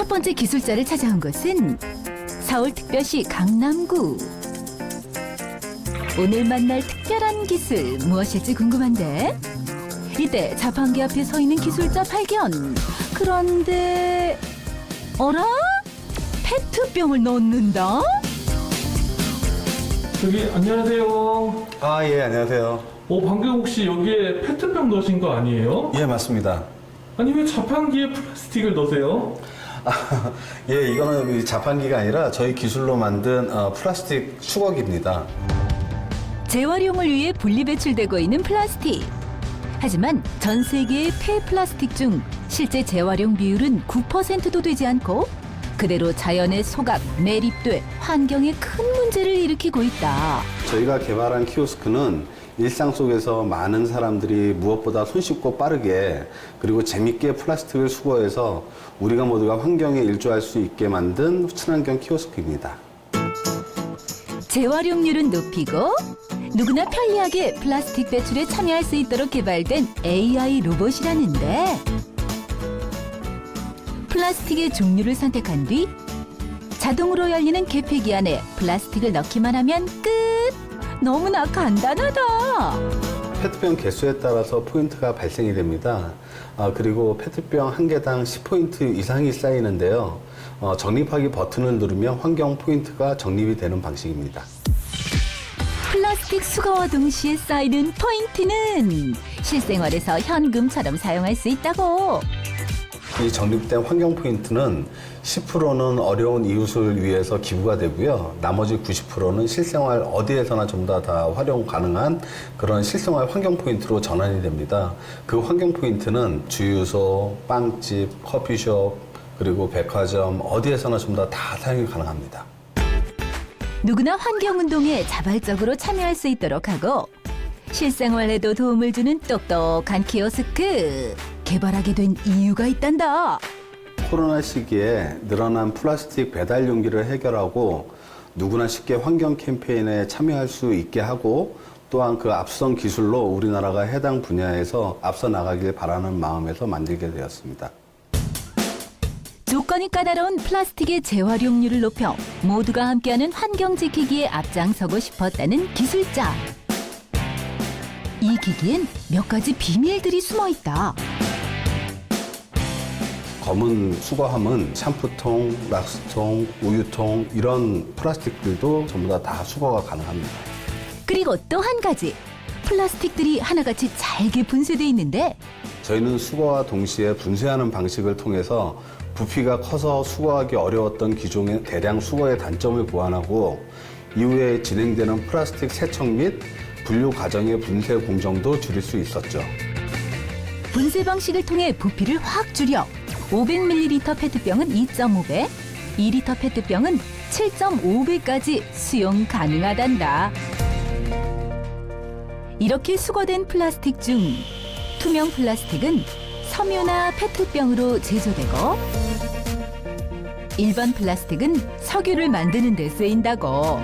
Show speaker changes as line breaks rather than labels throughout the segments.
첫 번째 기술자를 찾아온 곳은 서울특별시 강남구. 오늘 만날 특별한 기술 무엇일지 궁금한데 이때 자판기 앞에 서 있는 기술자 발견. 그런데 어라? 페트병을 넣는다?
저기 안녕하세요.
아, 예, 안녕하세요.
방금 혹시 여기에 페트병 넣으신 거 아니에요?
예, 맞습니다.
아니 왜 자판기에 플라스틱을 넣으세요?
예, 이거는 이 자판기가 아니라 저희 기술로 만든 플라스틱 수거기입니다.
재활용을 위해 분리 배출되고 있는 플라스틱. 하지만 전 세계의 폐플라스틱 중 실제 재활용 비율은 9%도 되지 않고 그대로 자연에 소각, 매립돼 환경에 큰 문제를 일으키고 있다.
저희가 개발한 키오스크는 일상 속에서 많은 사람들이 무엇보다 손쉽고 빠르게 그리고 재밌게 플라스틱을 수거해서 우리가 모두가 환경에 일조할 수 있게 만든 친환경 키오스크입니다.
재활용률은 높이고 누구나 편리하게 플라스틱 배출에 참여할 수 있도록 개발된 AI 로봇이라는데 플라스틱의 종류를 선택한 뒤 자동으로 열리는 개폐기 안에 플라스틱을 넣기만 하면 끝! 너무나 간단하다!
페트병 개수에 따라서 포인트가 발생이 됩니다. 그리고 페트병 한 개당 10포인트 이상이 쌓이는데요. 적립하기 버튼을 누르면 환경 포인트가 적립이 되는 방식입니다.
플라스틱 수거와 동시에 쌓이는 포인트는 실생활에서 현금처럼 사용할 수 있다고.
이 적립된 환경 포인트는 10%는 어려운 이웃을 위해서 기부가 되고요. 나머지 90%는 실생활 어디에서나 전부 다 활용 가능한 그런 실생활 환경 포인트로 전환이 됩니다. 그 환경 포인트는 주유소, 빵집, 커피숍, 그리고 백화점 어디에서나 전부 다 사용이 가능합니다.
누구나 환경운동에 자발적으로 참여할 수 있도록 하고 실생활에도 도움을 주는 똑똑한 키오스크 개발하게 된 이유가 있단다.
코로나 시기에 늘어난 플라스틱 배달 용기를 해결하고 누구나 쉽게 환경 캠페인에 참여할 수 있게 하고 또한 그 앞선 기술로 우리나라가 해당 분야에서 앞서 나가길 바라는 마음에서 만들게 되었습니다.
조건이 까다로운 플라스틱의 재활용률을 높여 모두가 함께하는 환경 지키기에 앞장서고 싶었다는 기술자. 이 기기엔 몇 가지 비밀들이 숨어 있다.
검은 수거함은 샴푸통, 락스통, 우유통 이런 플라스틱들도 전부 다 수거가 가능합니다.
그리고 또 한 가지. 플라스틱들이 하나같이 잘게 분쇄돼 있는데
저희는 수거와 동시에 분쇄하는 방식을 통해서 부피가 커서 수거하기 어려웠던 기존의 대량 수거의 단점을 보완하고 이후에 진행되는 플라스틱 세척 및 분류 과정의 분쇄 공정도 줄일 수 있었죠.
분쇄 방식을 통해 부피를 확 줄여 500ml 페트병은 2.5배, 2리터 페트병은 7.5배까지 수용 가능하단다. 이렇게 수거된 플라스틱 중 투명 플라스틱은 섬유나 페트병으로 제조되고 일반 플라스틱은 석유를 만드는 데 쓰인다고.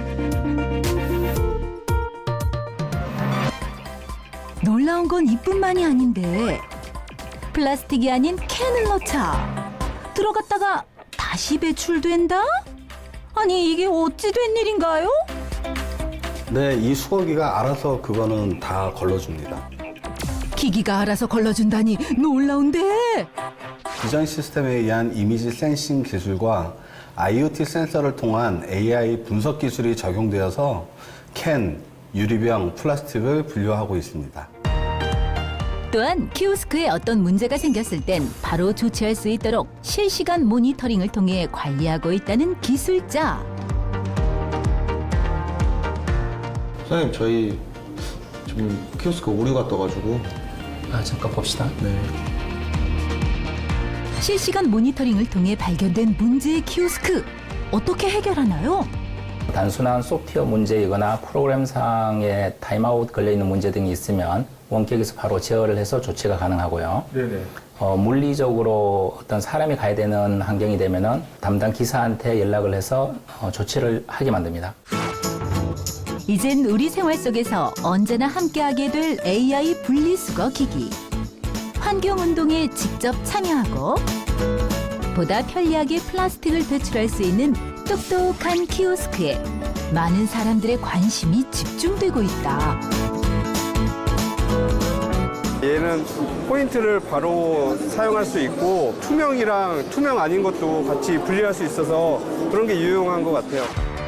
놀라운 건 이뿐만이 아닌데 플라스틱이 아닌 캔을 넣자 들어갔다가 다시 배출된다? 아니 이게 어찌 된 일인가요?
네, 이 수거기가 알아서 그거는 다 걸러줍니다.
기기가 알아서 걸러준다니 놀라운데?
비전 시스템에 의한 이미지 센싱 기술과 IoT 센서를 통한 AI 분석 기술이 적용되어서 캔, 유리병, 플라스틱을 분류하고 있습니다.
또한 키오스크에 어떤 문제가 생겼을 땐 바로 조치할 수 있도록 실시간 모니터링을 통해 관리하고 있다는 기술자.
사장님, 저희 지금 키오스크 오류가 떠가지고.
잠깐 봅시다.
네.
실시간 모니터링을 통해 발견된 문제의 키오스크 어떻게 해결하나요?
단순한 소프트웨어 문제이거나 프로그램상의 타임아웃 걸려있는 문제 등이 있으면 원격에서 바로 제어를 해서 조치가 가능하고요.
네네.
물리적으로 어떤 사람이 가야 되는 환경이 되면은 담당 기사한테 연락을 해서 조치를 하게 만듭니다.
이젠 우리 생활 속에서 언제나 함께하게 될 AI 분리수거 기기. 환경운동에 직접 참여하고 보다 편리하게 플라스틱을 배출할 수 있는 똑똑한 키오스크에 많은 사람들의 관심이 집중되고 있다.
얘는 포인트를 바로 사용할 수 있고 투명이랑 투명 아닌 것도 같이 분리할 수 있어서 그런 게 유용한 것 같아요.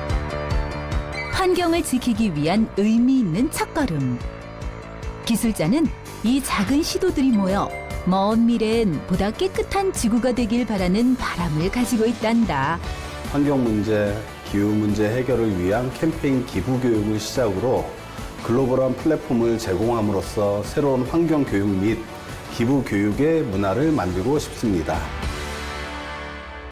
환경을 지키기 위한 의미 있는 첫걸음. 기술자는 이 작은 시도들이 모여 먼 미래엔 보다 깨끗한 지구가 되길 바라는 바람을 가지고 있단다.
환경 문제, 기후 문제 해결을 위한 캠페인 기부 교육을 시작으로 글로벌한 플랫폼을 제공함으로써 새로운 환경 교육 및 기부 교육의 문화를 만들고 싶습니다.